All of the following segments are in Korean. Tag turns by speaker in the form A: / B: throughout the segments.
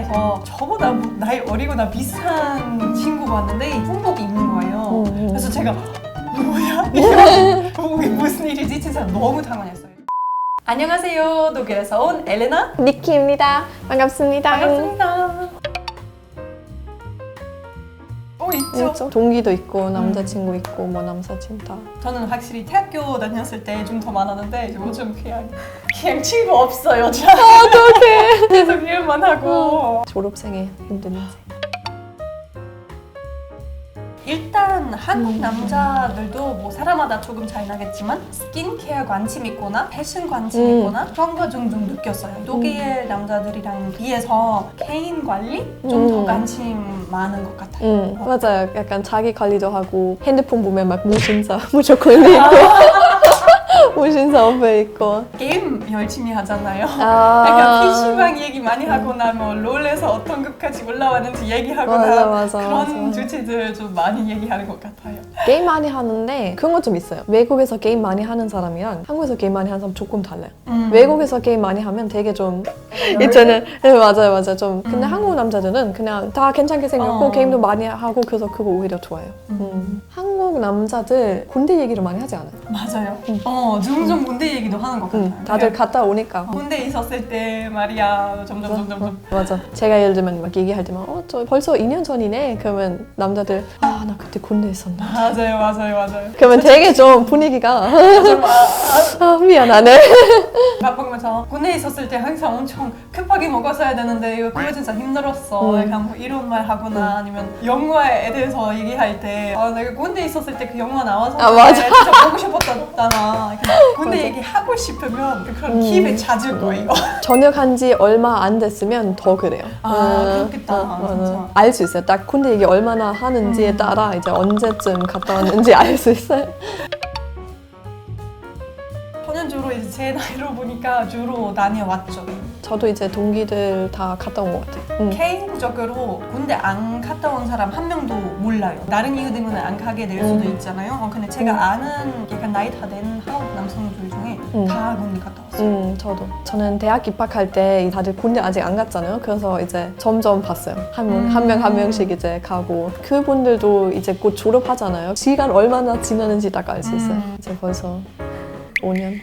A: 회사에서 저보다 나이 어리거나 비슷한 친구가 왔는데 군복이 입는 거예요. 그래서 제가 뭐야? 이게 무슨 일이지? 진짜 너무 당황했어요. 안녕하세요. 독일에서 온 엘레나
B: 니키입니다. 반갑습니다.
A: 반갑습니다. 있죠.
B: 동기도 있고 남자친구 있고 뭐 남사친 다.
A: 저는 확실히 대학교 다녔을 때 좀 더 많았는데 요즘 그냥 친구 없어요.
B: 어떡해.
A: 계속 일만 하고.
B: 졸업생의 힘든 인생.
A: 일단 한국 남자들도 뭐 사람마다 조금 차이 나겠지만 스킨케어 관심 있거나 패션 관심 있거나 그런 거 좀 느꼈어요. 독일 남자들이랑 비해서 개인 관리 좀 더 관심 많은 것 같아요.
B: 맞아요. 약간 자기 관리도 하고 핸드폰 보면 막 무신사 무조건 있고 무신사 옆에 있고
A: 게임 열심히 하잖아요. 약간 PC방 얘기 많이 하거나 뭐 롤에서 어떤 급까지 올라왔는지 얘기하거나
B: 맞아,
A: 그런 주제들 좀 많이 얘기하는 것 같아요.
B: 게임 많이 하는데 그런 거 좀 있어요. 외국에서 게임 많이 하는 사람이랑 한국에서 게임 많이 하는 사람 조금 달라요. 외국에서 게임 많이 하면 되게 좀 있잖아요. 네, 맞아요. 좀 근데 한국 남자들은 그냥 다 괜찮게 생겼고 게임도 많이 하고 그래서 그거 오히려 좋아요. 한국 남자들 군대 얘기를 많이 하지 않아요.
A: 맞아요. 점점 군대 얘기도 하는 것 같아요.
B: 다들 갔다 오니까.
A: 군대 있었을 때 말이야 점점.
B: 맞아. 제가 예를 들면 막 얘기할 때만 저 벌써 2년 전이네. 그러면 남자들 나 그때 군대 있었나.
A: 맞아요.
B: 그러면 되게 좀 분위기가 미안하네.
A: 바쁘면서 군대 있었을 때 항상 엄청 급하게 먹었어야 되는데 그거 진짜 힘들었어. 약간 뭐 이런 말 하거나 아니면 영화에 대해서 얘기할 때 내가 군대 있었을 때 그 영화 나와서
B: 맞아.
A: 진짜 보고 싶었잖아. 군대 얘기하고 싶으면 그런 기회 찾을 거예요.
B: 전역한 지 얼마 안 됐으면 더 그래요.
A: 그렇겠다. 진짜.
B: 알 수 있어요. 딱 군대 얘기 얼마나 하는지에 따라 이제 언제쯤 갔다 왔는지 알 수 있어요.
A: 저는 주로 이제 제 나이로 보니까 주로 다녀왔죠.
B: 저도 이제 동기들 다 갔다 온 것 같아요.
A: 개인적으로 군대 안 갔다 온 사람 한 명도 몰라요. 다른 이유 때문에 안 가게 될 수도 있잖아요. 근데 제가 아는 약간 나이 다 된 한국 남성들 중에 다 군대 갔다 왔어요.
B: 저는 대학 입학할 때 다들 군대 아직 안 갔잖아요. 그래서 이제 점점 봤어요. 한 명씩 이제 가고 그분들도 이제 곧 졸업하잖아요. 시간 얼마나 지나는지 딱 알 수 있어요. 이제 벌써 5년.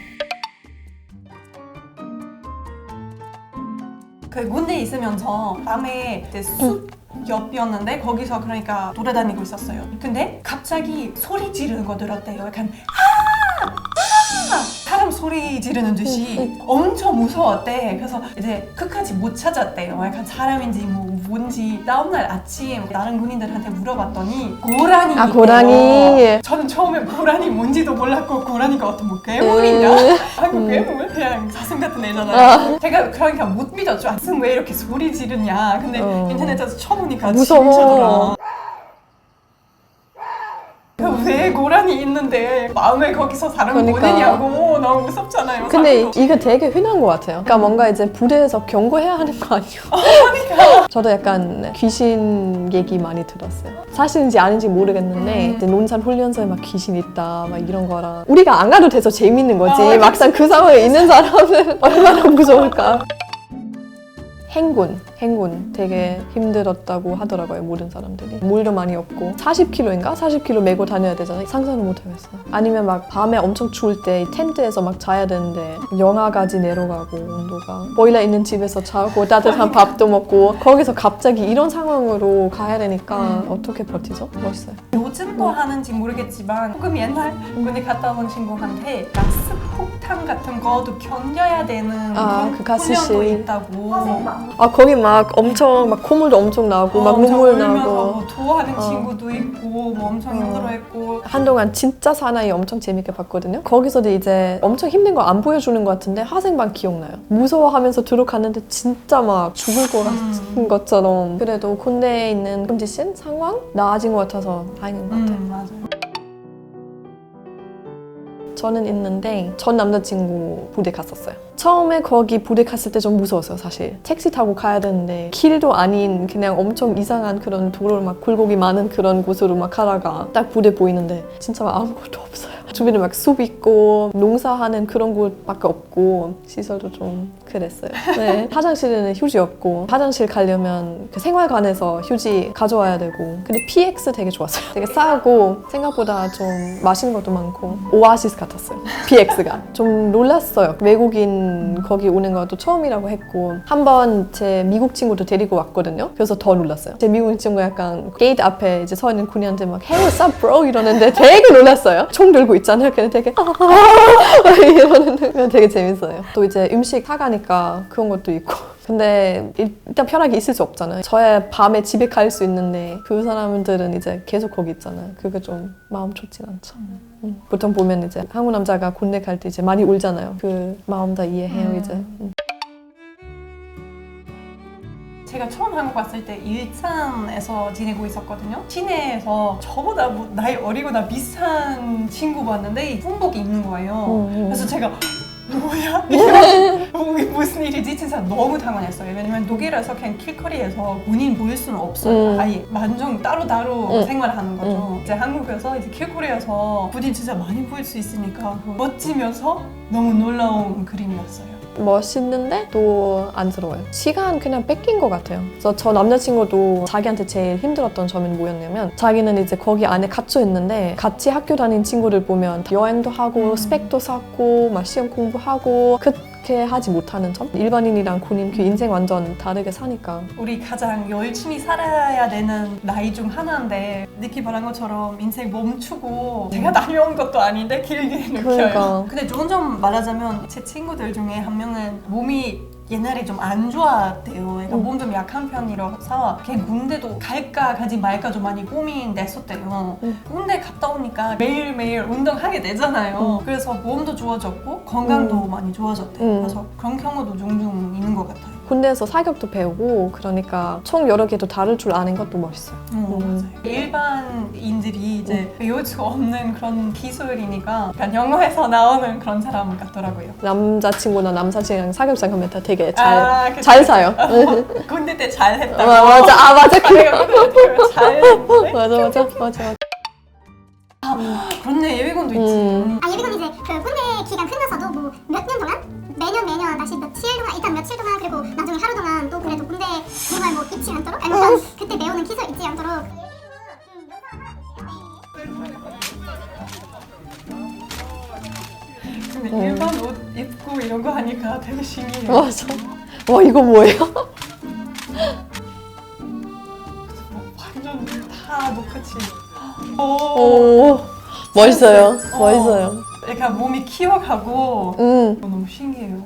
A: 그 군대에 있으면서 밤에 숲 옆이었는데 거기서 그러니까 돌아다니고 있었어요. 근데 갑자기 소리 지르는 거 들었대요. 약간 사람 소리 지르는 듯이 엄청 무서웠대. 그래서 이제 끝까지 못 찾았대요. 약간 사람인지 뭔지. 다음날 아침 다른 군인들한테 물어봤더니 고라니 있대요.
B: 고라니.
A: 저는 처음에 고라니 뭔지도 몰랐고 고라니가 어떤 뭐 괴물인가? 한국 괴물? 그냥 사슴 같은 애잖아요. 제가 그러니까 못 믿었죠. 사슴 왜 이렇게 소리 지르냐. 근데 인터넷에서 쳐보니까
B: 무서워.
A: 진짜더라. 왜 고라니 있는데 마음에 거기서 사람 보내냐고. 너무 무섭잖아요.
B: 근데
A: 사람도.
B: 이거 되게 흔한 것 같아요. 그러니까 뭔가 이제 부대에서 경고해야 하는 거 아니에요?
A: 그러니까.
B: 저도 약간 귀신 얘기 많이 들었어요. 사실인지 아닌지 모르겠는데 이제 논산 훈련소에 막 귀신 있다 막 이런 거랑 우리가 안 가도 돼서 재밌는 거지. 막상 그 상황에 있는 사람은 얼마나 무서울까. 행군 되게 힘들었다고 하더라고요. 모든 사람들이. 물도 많이 없고 40kg인가? 40kg 메고 다녀야 되잖아요. 상상을 못 하겠어요. 아니면 막 밤에 엄청 추울 때 텐트에서 막 자야 되는데 영하까지 내려가고 온도가 보일러 있는 집에서 자고 따뜻한 밥도 먹고 거기서 갑자기 이런 상황으로 가야 되니까 어떻게 버티죠? 멋있어요.
A: 요즘도 하는지 모르겠지만 조금 옛날 군대 갔다 온 친구한테 가스 폭탄 같은 거도 견뎌야 되는
B: 그 가스실.
A: 훈련도 있다고.
B: 거기 막 엄청 막 콧물도 엄청 나고 막 눈물 나고
A: 뭐 토하는 친구도 있고 뭐 엄청 힘들어했고.
B: 한동안 진짜 사나이 엄청 재밌게 봤거든요. 거기서도 이제 엄청 힘든 거 안 보여주는 것 같은데 화생방 기억나요. 무서워하면서 들어갔는데 진짜 막 죽을 것 같은 것처럼. 그래도 군대에 있는 컨디션 상황 나아진 것 같아서 다행인 것 같아요.
A: 맞아요.
B: 저는 있는데 전 남자친구 부대 갔었어요. 처음에 거기 부대 갔을 때 좀 무서웠어요. 사실 택시 타고 가야 되는데 길도 아닌 그냥 엄청 이상한 그런 도로 막 굴곡이 많은 그런 곳으로 막 가다가 딱 부대 보이는데 진짜 아무것도 없어요. 주변에 막 숲 있고 농사하는 그런 곳밖에 없고 시설도 좀 그랬어요. 네. 화장실에는 휴지 없고 화장실 가려면 그 생활관에서 휴지 가져와야 되고 근데 PX 되게 좋았어요. 되게 싸고 생각보다 좀 맛있는 것도 많고 오아시스 같았어요. PX가 좀 놀랐어요. 외국인 거기 오는 것도 처음이라고 했고 한번 제 미국 친구도 데리고 왔거든요. 그래서 더 놀랐어요. 제 미국 친구 약간 게이트 앞에 이제 서 있는 군인한테 막 Hey what's up bro 이러는데 되게 놀랐어요. 총 들고 있잖아요. 근데 되게 이러는데 되게 재밌어요. 또 이제 음식 사가니까 그런 것도 있고 근데 일단 편하게 있을 수 없잖아요. 저야 밤에 집에 갈 수 있는데 그 사람들은 이제 계속 거기 있잖아요. 그게 좀 마음 좋진 않죠. 보통 보면 이제 한국 남자가 군대 갈 때 이제 많이 울잖아요. 그 마음 다 이해해요 이제.
A: 제가 처음 한국 왔을 때 일산에서 지내고 있었거든요. 시내에서 저보다 뭐 나이 어리거나 비슷한 친구 봤는데 군복이 있는 거예요. 그래서 제가 뭐야? 이게 무슨 일이지? 진짜 너무 당황했어요. 왜냐면 독일에서 그냥 길거리에서 군인 보일 수는 없어요. 아예 완전 따로따로 생활하는 거죠. 이제 한국에서 이제 길거리에서 군인 진짜 많이 보일 수 있으니까 멋지면서 너무 놀라운 그림이었어요.
B: 멋있는데 또 안쓰러워요. 시간 그냥 뺏긴 것 같아요. 그래서 저 남자친구도 자기한테 제일 힘들었던 점이 뭐였냐면 자기는 이제 거기 안에 갇혀 있는데 같이 학교 다닌 친구들 보면 여행도 하고 스펙도 쌓고 막 시험 공부하고 그렇게 하지 못하는 점? 일반인이랑 군인 그 인생 완전 다르게 사니까
A: 우리 가장 열심히 살아야 되는 나이 중 하나인데 니키 말한 것처럼 인생 멈추고 제가 다녀온 것도 아닌데 길게 느껴요.
B: 그러니까.
A: 근데 좋은 점 말하자면 제 친구들 중에 한 명은 몸이 옛날에 좀 안 좋았대요. 그러니까 몸 좀 약한 편이라서 그냥 군대도 갈까 가지 말까 좀 많이 고민됐었대요. 군대 갔다 오니까 매일매일 운동하게 되잖아요. 그래서 몸도 좋아졌고 건강도 많이 좋아졌대요. 그래서 그런 경우도 종종 있는 것 같아요.
B: 군대에서 사격도 배우고 그러니까 총 여러 개도 다룰 줄 아는 것도 멋있어요.
A: 맞아요. 일반인들이 이제 배울 수 없는 그런 기술이니까 그냥 영화에서 나오는 그런 사람 같더라고요.
B: 남자친구나 남사친이랑 사격장 가면 다 되게
A: 그치.
B: 잘 사요.
A: 군대 때 잘했다고.
B: 맞아.
A: 내가 군대 때 잘했는데.
B: 맞아.
A: 그렇네, 예비군도 있지.
C: 예비군 이제 그 군대 기간 끝나서도 뭐 몇 년 동안 매년 다시 며칠 동안 일단 며칠 동안 그리고 나중에 하루 동안 또 그래도 군대 정말 뭐 잊지 않도록 아니면 그때 배우는 기술 잊지 않도록
A: 근데 일반 옷 입고 이런 거 하니까 되게 신기해요.
B: 맞아. 와 이거 뭐예요?
A: 완전 다 똑같이.
B: 오 멋있어요. 멋있어요.
A: 그러니까 몸이 키워가고 너무 신기해요.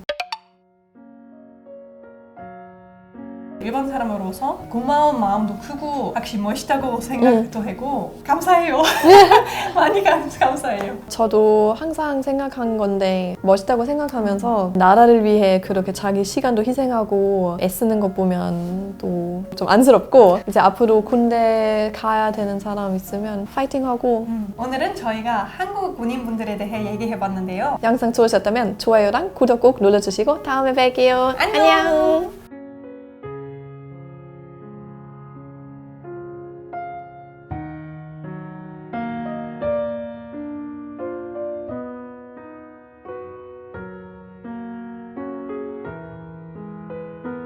A: 일반 사람으로서 고마운 마음도 크고 확실히 멋있다고 생각도 하고 감사해요. 많이 감사해요.
B: 저도 항상 생각한 건데 멋있다고 생각하면서 나라를 위해 그렇게 자기 시간도 희생하고 애쓰는 것 보면 또 좀 안쓰럽고 이제 앞으로 군대 가야 되는 사람 있으면 파이팅하고
A: 오늘은 저희가 한국 군인분들에 대해 얘기해봤는데요.
B: 영상 좋으셨다면 좋아요랑 구독 꼭 눌러주시고 다음에 뵐게요.
A: 안녕.